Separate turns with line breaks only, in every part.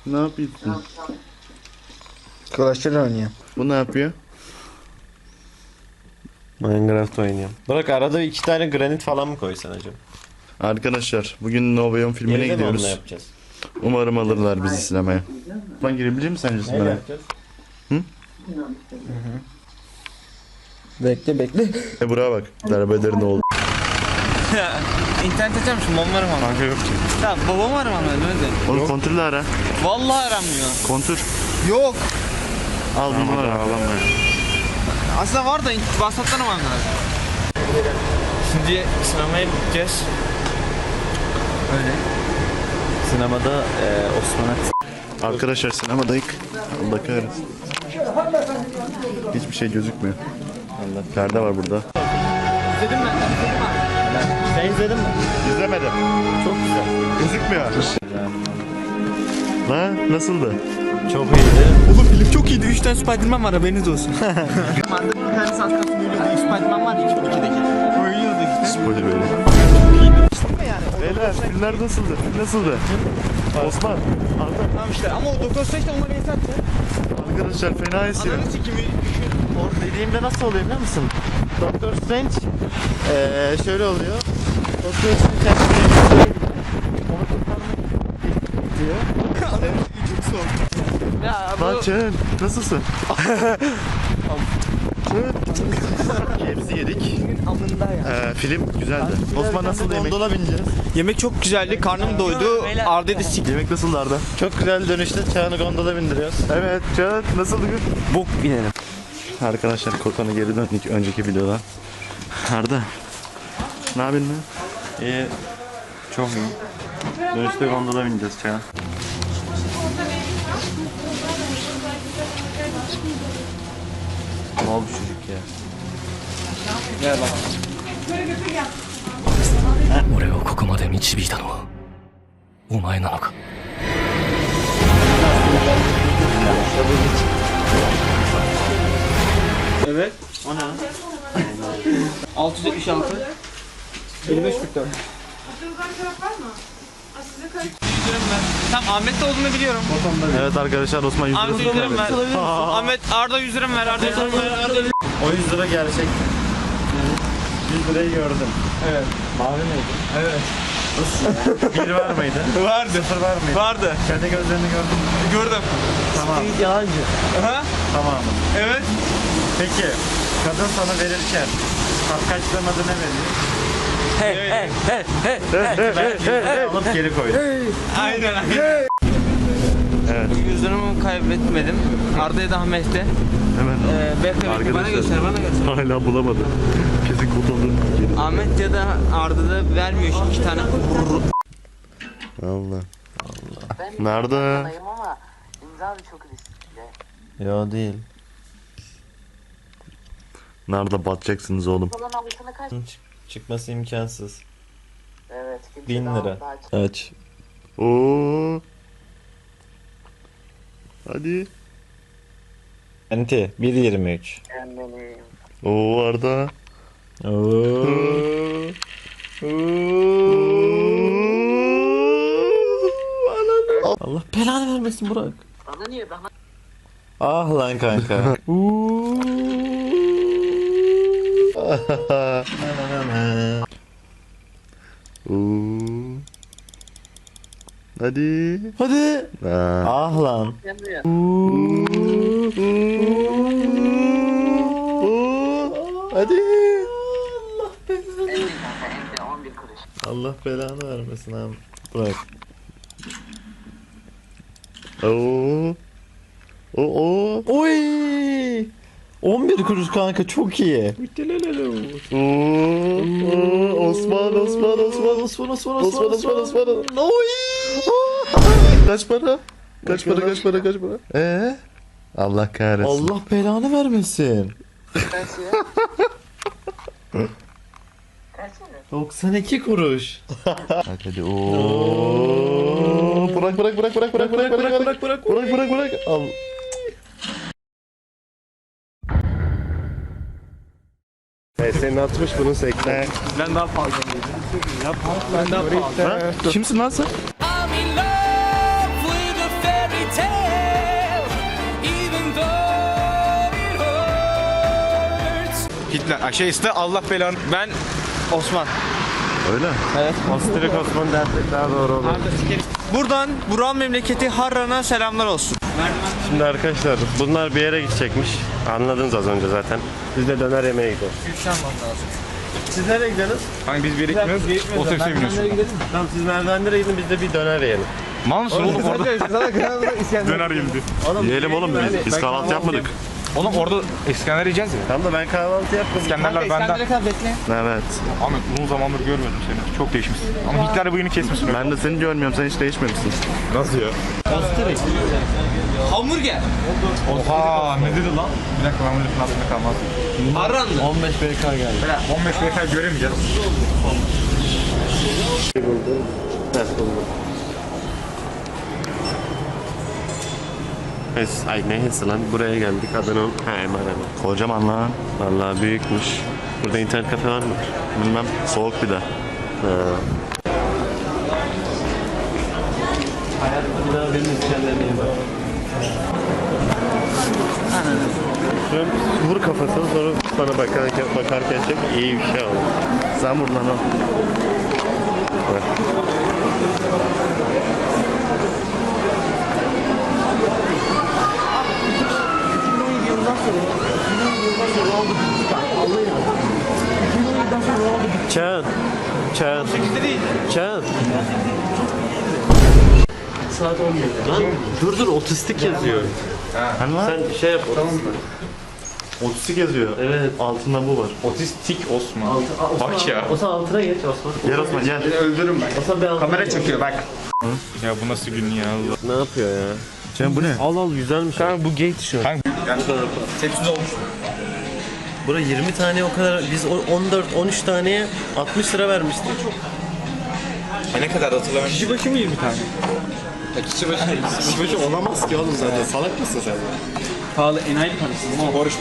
Ne yapıyorsun?
Clash Royale oynuyor.
Bu ne yapıyor?
Minecraft oynuyorum. Bırak arada 2 tane granit falan mı koysan acaba?
Arkadaşlar bugün Novayon filmine
Geride mi onunla
gidiyoruz.
yapacağız?
Umarım alırlar bizi sinemaya. Ben girebilir miyim sence
Neyle
sinemaya?
yapacağız?
Bekle.
Buraya bak. Derbeder ne oldu?
İnternet açarmışım, babam aram ama.
Kanka yok ki.
Ya babam aram ama öyle.
Oğlum kontürle ara.
Vallahi aramıyor.
Kontür.
Yok.
Al bunu ara.
Aslında var da WhatsApp'tan aramam lazım. Şimdi sinemaya gideceğiz. Öyle.
Sinemada Osman'a
Arkadaşlar sinemadayız. Allah kahretsin. Hiçbir şey gözükmüyor. Perde var burada.
İzledim ben.
Sen izledin mi?
İzlemedim.
Çok güzel.
Gözükmüyor. La nasıldı?
Çok iyiydi.
Oğlum film çok iyiydi. 3 tane Spiderman var, haberiniz olsun. Mandık bir tane saat kalsın ölüyordu. Spiderman var ya 2'deki. Oynuyordu işte.
Spoiler böyle. Beyler filmler nasıldı? Nasıldı? Osman. Arda.
Tamam işte ama o Doktor Strange de onları yasaktı.
Arkadaşlar fena esiyor.
Ananı sikimi.
O dediğimde nasıl oluyor biliyor musun? Doctor Strange şöyle oluyor. Doctor Strange kendine onu kurtarmak diyor.
Çok soğuk. Ya bu...
Lan Çağın nasılsın? Hepsi yedik.
Amında ya.
Film güzeldi. Osman nasıldı yemek?
Gondola bineceğiz.
Yemek çok güzeldi. Karnım doydu. Arda'yı da sik.
Yemek nasıldı Arda?
Çok güzel dönüşte Çağan'ı gondola bindiriyoruz.
Evet Çağın nasıldı gün?
Bok binelim.
Arkadaşlar Kokon'a geri döndük önceki videodan. Arda. Ne yapıyorsun lan?
İyi. Çok iyi. Dönüşte gondola bineceğiz Çağan. Ne oldu çocuk ya?
俺をここまで導いたのはお前なのか
Evet.
O ne?
676. 5544. Tamam Ahmet'te olduğunu biliyorum.
Evet arkadaşlar Osman 100
Ahmet 100 liram ver. Ahmet Arda 100 liram ver. Arda 100 liram ver. Arda 100
O 100 lira gerçek. 100 lirayı gördüm.
Evet.
Mavi miydi?
Evet.
1 var mıydı?
Vardı.
0 var mıydı?
Vardı.
Kendi gözlerini gördün mü?
Gördüm.
Tamam.
Yalancı.
Aha.
Tamamı.
Evet.
Peki kadın sana verirken kapkaçlamadı ne veriyor? Alıp geri koydu.
Aynen aynen.
Evet.
100 liramı kaybetmedim. Arda'ya da Ahmet'te.
Hemen
Bekle bekle bana göster bana göster.
hala bulamadım. Kesin kurtuldu.
Ahmet ya da Arda da vermiyor 2 tane.
Allah.
Ben
Nerede?
yanayım ama imza da çok riskli.
Yo değil.
Nerede batacaksınız oğlum?
Falan alışana kaç?
Çıkması imkansız.
Evet. kimse
1000
daha-
lira.
daha-
Aç.
Oo. Hadi.
Enti 1.23.
Kendini.
Oo Arda.
Allah belanı vermesin Burak.
Bana niye? Bana
Ah lan kanka.
Oo. Hadi.
Hadi.
Aa.
Ah lan.
gelmiyor.
Hadi.
En iyi kanka. En de 11 kuruş.
Allah belanı vermesin abi. Burak.
Oo. Oo.
Oy. 11 kuruş kanka çok iyi.
Oo. Osman.
Oy.
Kaç para? Kaç para? Allah kahretsin.
Allah belanı vermesin.
Kaç ya? Kaç ya?
92 kuruş.
Hadi oo. Bırak. Bırak. Al.
Senin 60 bunun 80.
Ben daha fazla Ben daha fazla.
Kimsin lan sen?
I'm in love with a fairy
Hitler. Aşağısı Allah belanı. Ben Osman.
Öyle.
Osterik Osman dersek daha doğru olur.
Buradan Burak'ın memleketi Harran'a selamlar olsun.
Şimdi arkadaşlar bunlar bir yere gidecekmiş. Anladınız az önce zaten. Biz de döner yemeye gidiyoruz. Siz nereye gidiyorsunuz?
Hani biz bir yere gitmiyoruz. Otobüse biniyorsun.
Tamam siz merdivenlere gidin biz de bir döner yiyelim.
Mal mısın oğlum orada? Döner yedi.
Yiyelim oğlum biz kahvaltı yapmadık.
Oğlum orada İskender yiyeceğiz ya.
Tamam da ben kahvaltı yaptım.
İskenderler benden.
Evet.
Ahmet uzun zamandır görmedim seni. Çok değişmişsin. Ama Hitler bıyığını kesmişsin.
Ben de seni görmüyorum. Sen hiç değişmemişsin.
Nasıl ya? Hamburger. Oha ne dedi lan? Bir dakika ben bunu aklımda kalmaz. Harran'da.
15 BK geldi.
15 BK göremeyeceğiz.
Ay neyse lan buraya geldik Adana'nın Arena.
Kocaman lan.
Vallahi büyükmüş. Burada internet kafe var mı?
Bilmem. Soğuk bir de.
Şöyle vur kafasını sonra bana bakarken çok iyi bir şey oldu.
Sen vur lan o.
Çağın. Çağın. Çağın. Saat 11. Lan dur otistik yazıyor.
Hani lan?
Sen şey yap. Tamam mı?
Otistik yazıyor.
Evet.
Altında bu var.
Otistik Osman. Bak ya.
O zaman altına geç Osman.
Gel Osman gel.
Öldürürüm ben.
Osman bir altına
Kamera
geç.
çekiyor bak. Ya bu nasıl gün ya Allah.
Ne yapıyor ya?
Sen bu ne?
Al güzelmiş. Kanka bu gay tişört.
Tepsiz olmuş.
Bura 20 tane o kadar biz 14-13 taneye 60 lira vermiştik.
Ne kadar hatırlamıyorum. Kişi başı mı 20 tane? Kişi başı olamaz ki oğlum zaten. Salak mısın sen? Pahalı enayi parası ama borç.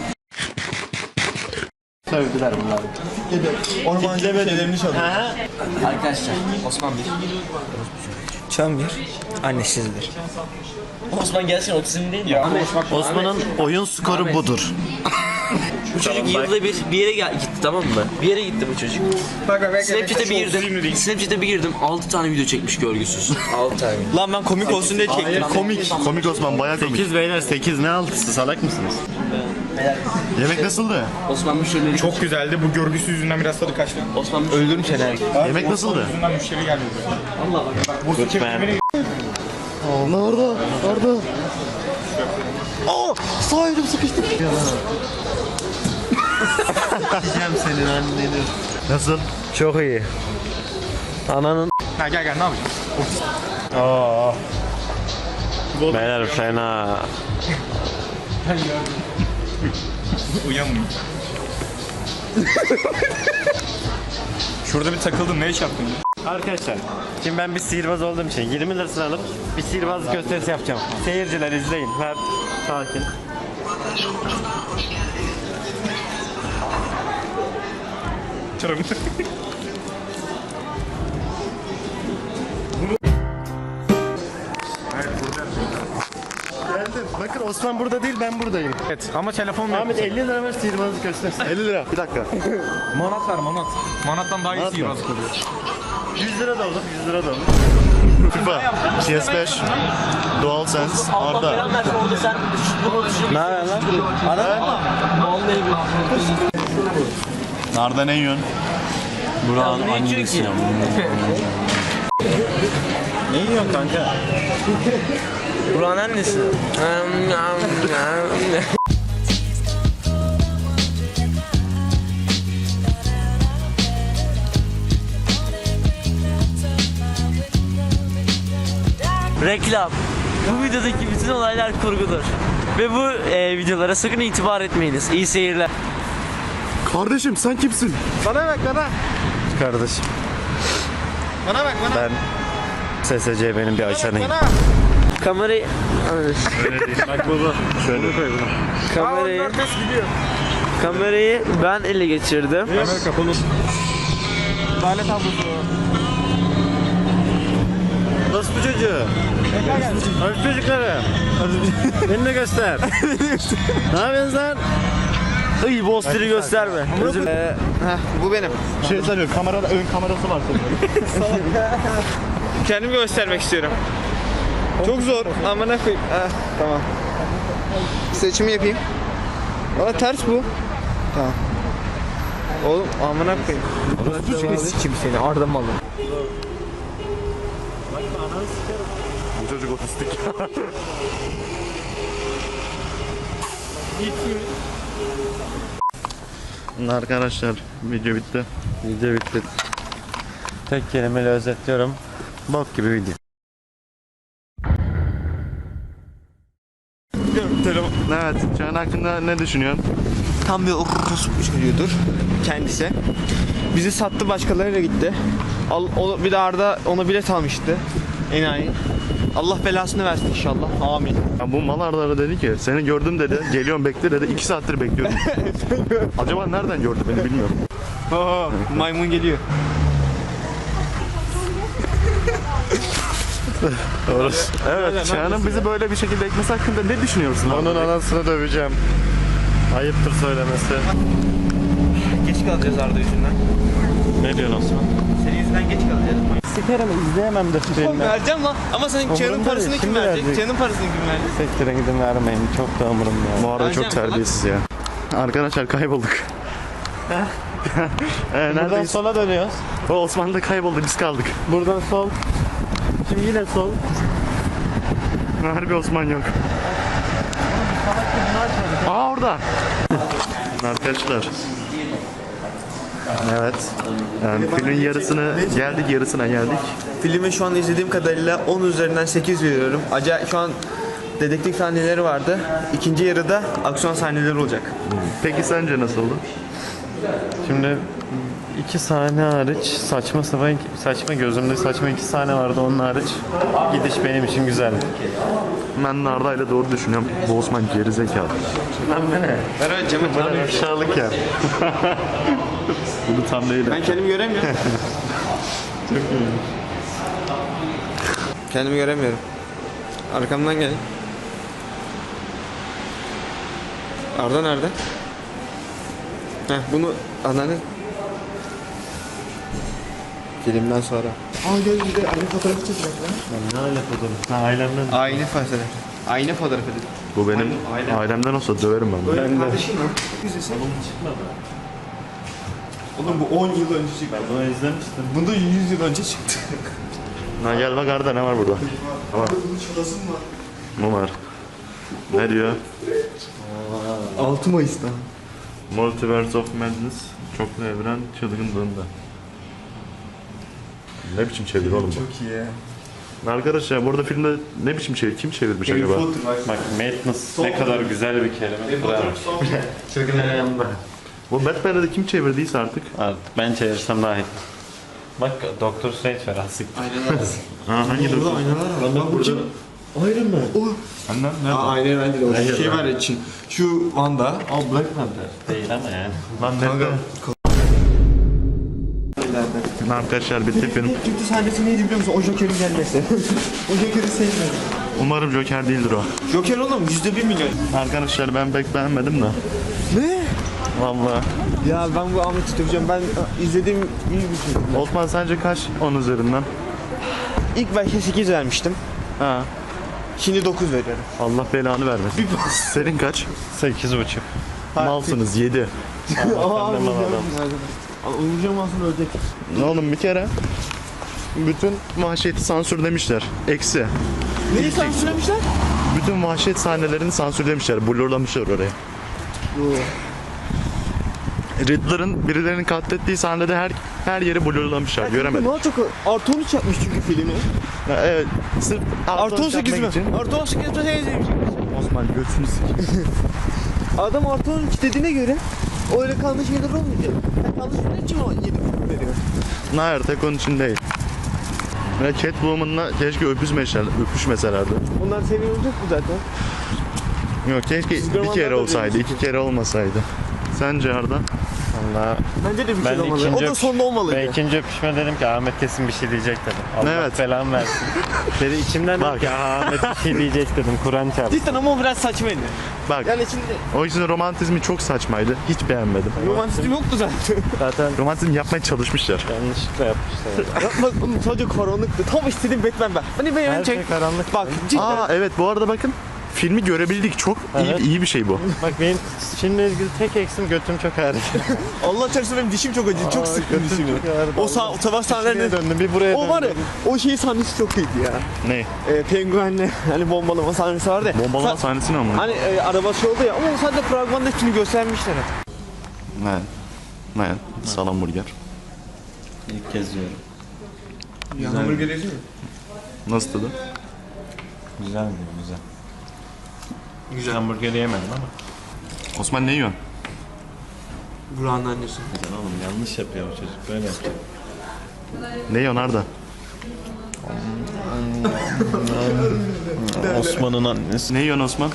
Sövdüler bunlar.
Ormancı şeylerini çalıyor.
Arkadaşlar Osman bir.
Çam bir. Annesizdir.
Osman gelsin otizm değil mi?
Ya
Osman'ın oyun skoru budur.
Bu çocuk yılda bir yere gitti tamam mı? Bir yere gitti bu çocuk. Snapchat'e bir girdim. Snapchat'e bir girdim. 6 tane video çekmiş görgüsüz. 6 tane.
Lan ben komik olsun diye çektim.
Komik Osman bayağı komik.
8 beyler 8 ne altısı salak mısınız?
Yemek nasıldı?
Osman müşterileri
çok güzeldi. Bu görgüsü yüzünden biraz tadı kaçtı.
Osman müşterileri.
Öldürüm seni.
Yemek nasıldı?
Yüzünden müşteri geldi. Allah bak. Bu çekimini
Orada. Sağ elim sıkıştı.
Diyeceğim senin anneni.
Nasıl?
Çok iyi. Ananın.
Ha gel ne yapacağız?
Beyler fena.
Uyanmıyor. Şurada bir takıldım. Ne iş yaptın?
Arkadaşlar şimdi ben bir sihirbaz olduğum için 20 lirasını alıp bir sihirbaz gösterisi yapacağım. Seyirciler izleyin. Ver. Sakin.
Çarım.
Geldim. Bakın Osman burada değil ben buradayım.
Evet ama telefon yok.
Ahmet 50 lira ver sihirbazı göstersin.
50 lira. Bir dakika.
Manat ver manat. Manattan daha iyi
Manat mı?
sihirbazlık oluyor.
100 lira da olur 100 lira da olur.
FIFA. PS5. DualSense. Arda.
Ne haber lan?
Arda ne yiyorsun?
Burak'ın annesi ya.
Ne yiyorsun kanka?
Burak'ın annesi. Reklam. Bu videodaki bütün olaylar kurgudur. Ve bu videolara sakın itibar etmeyiniz. İyi seyirler.
Kardeşim sen kimsin?
Bana bak bana.
Kardeşim
Bana bak bana.
ben SSC benim bir açanıyım.
Bana.
Kamerayı...
Bak baba. Şöyle koy bunu.
Kamerayı... Kamerayı ben ele geçirdim.
Kamera kapalı.
Lale tablosu.
Nasıl bu çocuğu? Hafif çocukları. Beni de göster. Ne yapıyorsun lan?
Iy Monster'ı gösterme. Özür
Bu benim.
Şey sanıyorum kamerada ön kamerası var senin.
Kendimi göstermek istiyorum. Çok zor. Amına koyayım. Tamam. Seçimi yapayım. Valla ters bu. Tamam. Oğlum amına koyayım. Bu seni sikeyim seni. Arda malı.
Bu çocuk otistik. Arkadaşlar video bitti.
Video bitti. Tek kelimeyle özetliyorum. Bok gibi video.
Evet, Çağan hakkında ne düşünüyorsun?
Tam bir orospu çocuğudur kendisi. Bizi sattı, başkalarıyla gitti. Bir de Arda ona bilet almıştı. Enayi. Allah belasını versin inşallah. Amin.
Ya bu mal Arda'ya dedi ki seni gördüm dedi, geliyorum bekle dedi, 2 saattir bekliyorum. Acaba nereden gördü beni bilmiyorum.
Maymun geliyor.
Evet, Çağan'ın bizi böyle bir şekilde ekmesi hakkında ne düşünüyorsun?
Onun anasını döveceğim. Ayıptır söylemesi.
Geç kalacağız Arda yüzünden.
Ne diyorsun Osman?
Senin yüzünden geç kalacağız.
Sikerim izleyemem de filmi.
Vereceğim lan. Ama senin Çağan'ın
Umurumda
parasını
değil,
kim
şimdi
verecek?
verecek.
Çağan'ın parasını kim verecek?
Sektirin gidin vermeyin. Çok da umurumda.
Bu arada çok
Vereceğim
terbiyesiz ya. Arkadaşlar kaybolduk.
Buradan
Neredeyiz?
sola dönüyoruz.
O Osman da kayboldu, biz kaldık.
Buradan sol. Şimdi yine sol.
Harbi Osman yok. Aa orada. Arkadaşlar. Evet. Yani filmin yarısını geldik, yarısına geldik.
Filmi şu an izlediğim kadarıyla 10 üzerinden 8 veriyorum. Acayip şu an dedektif sahneleri vardı. İkinci yarıda aksiyon sahneleri olacak.
Peki sence nasıl oldu?
Şimdi 2 sahne hariç saçma gözümde saçma 2 sahne vardı, onun hariç gidiş benim için güzeldi.
Ben Narda'yla doğru düşünüyorum. Bu Osman gerizekalı.
Lan ne?
Ver öyle Cem'e
Böyle aşağılık ya.
Bunu tam değil.
Ben kendimi göremiyorum. Kendimi göremiyorum. Arkamdan gelin. Arda nerede? Heh bunu anladın. Filmden sonra. Aa gel bir de aynı fotoğrafı çekeceğiz lan.
Ne aile fotoğrafı? Ha ailemden.
Aynı fotoğrafı. Aynı fotoğrafı dedim.
Bu benim ailemden olsa döverim ben bunu.
Öyle kardeşim mi? Güzelse. Oğlum bu 10 yıl önce çıktı.
Bunu izlemiştim.
Bunda 100 yıl önce çıktı.
Ha gel bak Arda ne var burada? Tamam.
Bunun çalasın var.
Ne var? Ne diyor?
6 Mayıs'ta.
Multiverse of Madness. Çoklu evren çılgınlığında. Ne biçim çevir oğlum bu?
Çok iyi ya.
Arkadaşlar burada filmde ne biçim çevir? Kim çevirmiş acaba?
Bak Madness ne kadar güzel bir kelime. Bravo.
Bu Batman'ı da kim çevirdiyse artık.
Ben çevirsem daha iyi. Bak Doktor Strange var asık.
Ha hangi doktor?
Bak bu kim? Iron Man. O.
Benden nerede?
Aa Iron Man değil o. Şey var ya için. Şu Wanda.
O Black Panther. Değil ama yani.
Lan nerede? Arkadaşlar bitti film.
Kötü sahnesi neydi biliyor musun? O Joker'in gelmesi. O Joker'i sevmedim.
Umarım Joker değildir o.
Joker oğlum %1 milyon.
Arkadaşlar ben pek beğenmedim de.
Ne?
Vallahi.
Ya ben bu Ahmet'i döveceğim. Ben izlediğim iyi bir şey.
Osman sence kaç 10 üzerinden?
İlk başta 8 vermiştim.
Ha.
Şimdi 9 veriyorum.
Allah belanı vermesin. Senin kaç?
8,5.
Malsınız 7.
Aa uyuyacağım aslında ölecek.
Oğlum bir kere bütün vahşeti sansürlemişler. Eksi.
Neyi sansürlemişler?
Bütün vahşet sahnelerini sansürlemişler. Blurlamışlar oraya. Riddler'ın birilerinin katlettiği sahnede her yeri blurlamışlar. Göremedim.
Daha çok artı 13 yapmış çünkü filmi.
Ya, evet. Sırf
Artı 18 mi?
yapmak için.
Artı 18 mi?
Osman götünü sikeyim.
Adam artı 12 dediğine göre öyle kalmış şeyler olmayacak. Sen kalmış şeyler için o 7 veriyor.
Hayır tek onun için değil. Ve Catwoman'la keşke öpüşmeselerdi.
Bunlar seviye olacak mı zaten?
Yok keşke bir
Superman'dan
kere
da
olsaydı,
diyormuş
2 kere olmasaydı. Sence Arda?
Vallahi
Bence de bir
ben
şey
de
olmalı. O
ikinci
da sonunda olmalıydı.
ben ikinci öpüşme dedim ki Ahmet kesin bir şey diyecek dedim. Allah
Evet.
belamı versin. Dedi içimden dedim
Bak.
ki Ahmet bir şey diyecek dedim. Kur'an çarptı.
Cidden ama o biraz saçmaydı.
Bak
Yani şimdi
o yüzden romantizmi çok saçmaydı. Hiç beğenmedim.
romantizm yoktu zaten.
Zaten
Romantizm yapmaya çalışmışlar.
yanlışlıkla yapmışlar.
Bak oğlum sadece karanlıktı. Tam istediğim Batman ben. Hani
Her
benim
şey
çek.
karanlık.
Bak cidden.
Aa evet bu arada bakın filmi görebildik. Çok
Evet.
iyi bir şey bu.
Bak benim filmle ilgili tek eksim götüm çok ağrıdı.
Allah çarpsın benim dişim çok acıdı. Çok sıktım dişimi.
ağrıdı.
O savaş sahnelerinde
döndüm bir buraya
o var ya
döndüm.
o şey sahnesi çok iyiydi ya.
Ne?
Penguenle hani bombalama sahnesi vardı ya.
Bombalama sahnesini ama.
Hani arabası oldu ya ama o sadece fragmanda hepsini göstermişler.
Ne? Salam burger.
İlk kez yiyorum.
Ya hamburger yedin mi?
Nasıl tadı?
Güzel mi? Güzel. Güzel hamburgeri yemedim ama.
Osman ne yiyorsun?
Burak'ın annesi.
Güzel oğlum yanlış yapıyor bu çocuk böyle yapıyor.
Ne yiyorsun Arda?
Osman'ın annesi.
Ne yiyorsun Osman?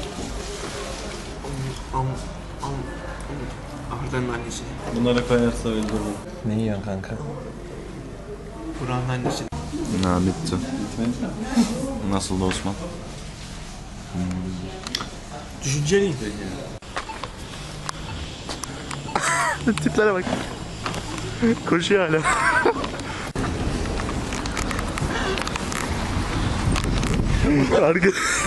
Arda'nın annesi.
Bunlara koyarsa öldürürüm. Ne yiyorsun kanka?
Burak'ın annesi.
Ha bitti. Nasıldı Osman?
Düşünceliyim.
Tiplere bak. Koşuyor hala. Arka...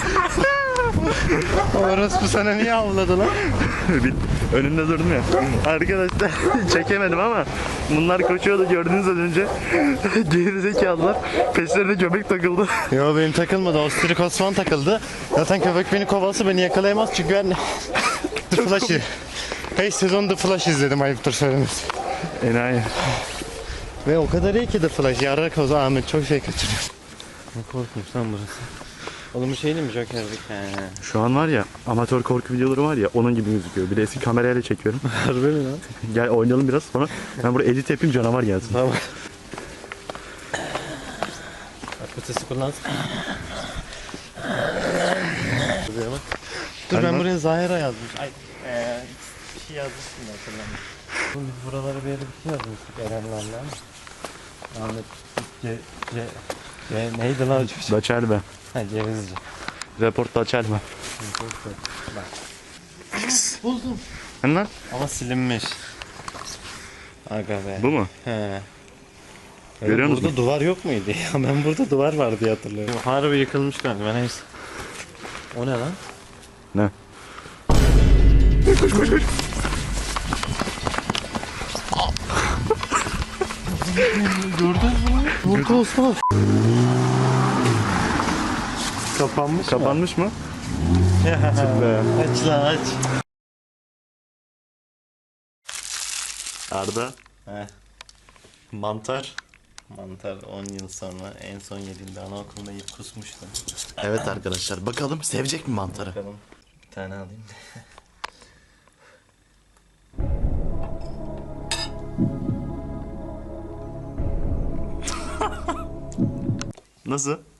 Orospu sana niye avladı lan?
Önünde durdum ya. Arkadaşlar çekemedim ama bunlar koşuyordu gördünüz az önce. Gerizekalılar. Peşlerine göbek takıldı.
Yo benim takılmadı. Ostirik Osman takıldı. Zaten köpek beni kovalsa beni yakalayamaz çünkü ben The Flash'ı. Hey sezon The Flash izledim ayıptır söylemesi.
Enayi.
Ve o kadar iyi ki The Flash. Yarrak o zaman Ahmet çok şey kaçırıyor. Ne korkmuş lan burası. Oğlum bu şey değil mi Joker'lik?
Şu an var ya amatör korku videoları var ya onun gibi gözüküyor. Bir de eski kamerayla çekiyorum.
Harbi mi lan?
Gel oynayalım biraz sonra ben buraya edit yapayım canavar gelsin.
Tamam. Ötesi kullansın. Dur
Hadi
ben
lan.
buraya Zahira yazmış. Ay bir şey yazmışsın da hatırlamıyorum. Biz buralara bir yere bir şey yazmıştık Erenlerle ama. Ahmet neydi lan o çocuk?
Daçelme.
Ha Cevizci.
Report Daçelme.
Buldum.
Hani lan?
Ama silinmiş. Aga be.
Bu mu?
He.
Görüyor
Burada
musun?
duvar yok muydu ya? Ben burada duvar var diye hatırlıyorum. Harbi yıkılmış kanka ben neyse. O ne lan?
Ne?
Burada Osman. Kapanmış mı?
Kapanmış mı?
Aç lan aç.
Arda.
Mantar. Mantar 10 yıl sonra en son yediğimde anaokulunda yiyip kusmuştum.
Evet arkadaşlar bakalım sevecek mi mantarı?
Bakalım bir tane alayım.
Nasıl?